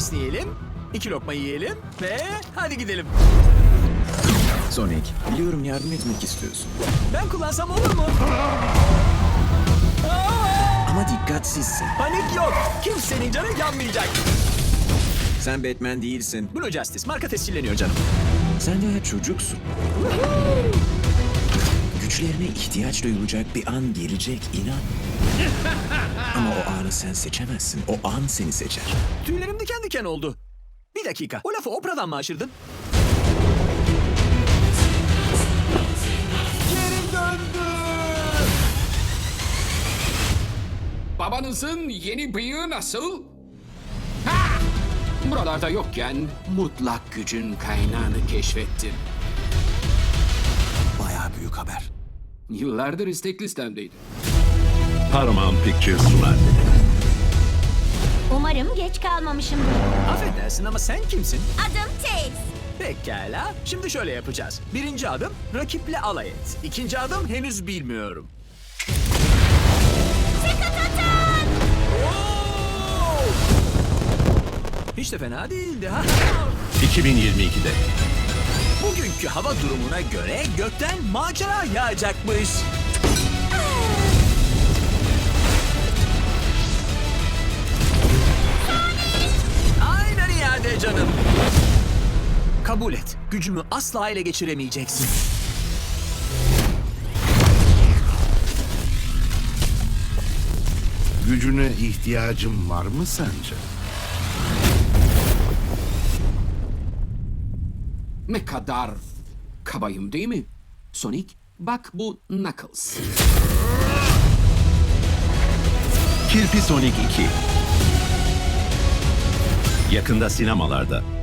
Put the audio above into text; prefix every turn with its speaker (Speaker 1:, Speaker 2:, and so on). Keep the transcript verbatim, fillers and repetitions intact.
Speaker 1: esneyelim, iki lokma yiyelim ve hadi gidelim.
Speaker 2: Sonic, biliyorum yardım etmek istiyorsun.
Speaker 1: Ben kullansam olur mu?
Speaker 2: Ama dikkatsizsin.
Speaker 1: Panik yok. Kimsenin canı yanmayacak.
Speaker 2: Sen Batman değilsin.
Speaker 1: Blue Justice marka tescilleniyor canım.
Speaker 2: Sen daha çocuksun. Güçlerine ihtiyaç duyulacak bir an gelecek, inan. Ama o anı sen seçemezsin. O an seni seçer.
Speaker 1: Tüylerim diken diken oldu. Bir dakika. O lafı Oprah'dan mı aşırdın? Geri döndü.
Speaker 3: Babanızın yeni bıyığı nasıl? Ha! Buralarda yokken mutlak gücün kaynağını keşfettim.
Speaker 1: Bayağı büyük haber.
Speaker 3: Yıllardır istek listemdeydi.
Speaker 4: Paramount Pictures sunar.
Speaker 5: Umarım geç kalmamışımdır.
Speaker 1: Affedersin ama sen kimsin?
Speaker 5: Adım Tails.
Speaker 1: Pekala. Şimdi şöyle yapacağız. Birinci adım rakiple alay et. İkinci adım henüz bilmiyorum. Oo! Hiç de fena değildi ha.
Speaker 4: iki bin yirmi ikide.
Speaker 1: Bugünkü hava durumuna göre gökten macera yağacakmış. Aynen iade canım. Kabul et. Gücümü asla ele geçiremeyeceksin.
Speaker 6: Gücüne ihtiyacım var mı sence?
Speaker 3: Ne kadar kabayım değil mi? Sonic, bak bu Knuckles.
Speaker 4: Kirpi Sonic iki. Yakında sinemalarda.